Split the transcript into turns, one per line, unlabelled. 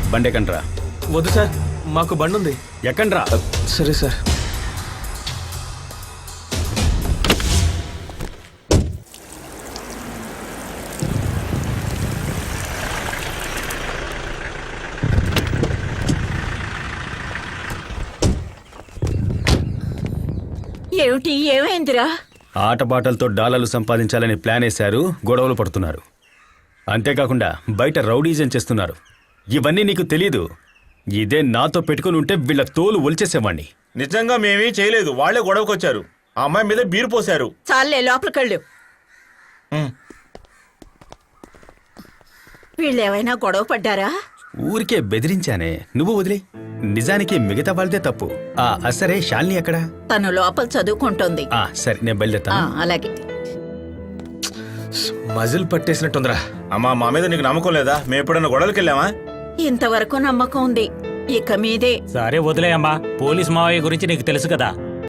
బండి ఎక్కండ్రా.
వద్దు సార్, మాకు బండి ఉంది.
ఎక్కండ్రా.
సరే సార్.
ఏమిటి, ఏమైందిరా?
ఆటపాటలతో డాలర్లు సంపాదించాలని ప్లాన్ వేశారు, గొడవలు పడుతున్నారు. అంతేకాకుండా బయట రౌడీజం చేస్తున్నారు. ఇవన్నీ నీకు తెలీదు. ఇదే నాతో పెట్టుకుని ఉంటే వీళ్ళ తోలు ఒలిచేసేవాణ్ణి.
నిజంగా మేమీ చేయలేదు, వాళ్లే గొడవకొచ్చారు. ఆ అమ్మాయి మీద బీరు పోశారు.
చాలే, లోపలికెళ్ళు. వీళ్ళేమైనా గొడవ పడ్డారా?
ఊరికే బెదిరించానే, నువ్వు వదిలే. నిజానికి మిగతా వాళ్ళదే తప్పు. సరే, శాలిని ఎక్కడ?
తను లోపల చదువుకుంటోంది.
సరే, నేను బయలుదేరుతాను.
అలాగే.
మజిల్ పట్టేసినట్టుందిరా.
అమ్మా, మా మీద నీకు నమ్మకం లేదా? మేము ఎప్పుడన్నా గొడవలకి వెళ్ళామా?
ఇంతవరకు నమ్మకం ఉంది, ఇక మీదే.
సరే వదిలేయమ్మా, పోలీస్ మావయ్య గురించి నీకు తెలుసు కదా.